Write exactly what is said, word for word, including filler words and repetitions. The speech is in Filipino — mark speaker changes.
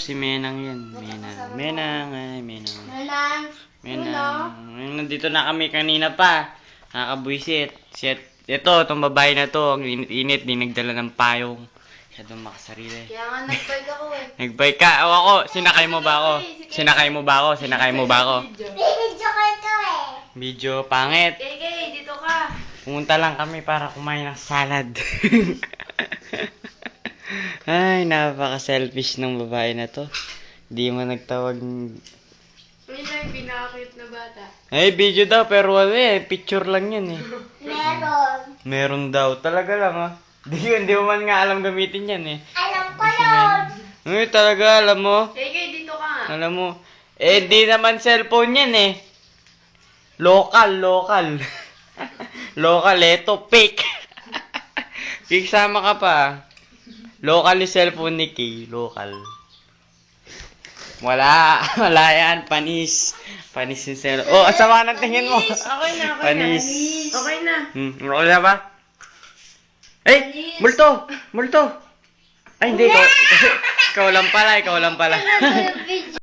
Speaker 1: si Menang yan. Menang. Menang. Ay, Menang.
Speaker 2: Menang.
Speaker 1: Menang. Nandito na kami kanina pa. Nakakabwisit. Shit. Ito, itong babae na to. Ang init-init. Di nagdala ng payong. Siya doon makasarili.
Speaker 2: Kaya nga nag-bike ako eh.
Speaker 1: Nag-bike ka. O ako. Sinakay mo ba ako? Sinakay mo ba ako? Sinakay mo ba ako?
Speaker 2: Video ko ito eh.
Speaker 1: Video pangit.
Speaker 2: Kay Kay, dito ka.
Speaker 1: Pumunta lang kami para kumain ng salad. Ay, napaka-selfish ng babae na to. Di mo nagtawag.
Speaker 2: Yun lang yung pinaka-cute na bata.
Speaker 1: Ay, video daw, pero wala eh. Picture lang yan eh.
Speaker 2: Meron.
Speaker 1: Meron daw. Talaga lang ah. Di yun, di mo man nga alam gamitin yan eh.
Speaker 2: Alam ko yun.
Speaker 1: Ay, talaga, alam mo.
Speaker 2: Kay Kay, dito ka nga.
Speaker 1: Alam mo. Eh, di naman cellphone yan eh. Local, local. Local, eto, fake. Fake, sama ka pa. Local yung cellphone ni Kay. Local. Wala. Wala yan. Panis. Panis yung cellphone. Oh, asama ng tingin mo.
Speaker 2: Okay na, okay na.
Speaker 1: Panis.
Speaker 2: Okay na.
Speaker 1: Hmm, okay na ba? Eh, multo! Multo! Ay, hindi. Ikaw, ikaw lang pala, ikaw lang pala.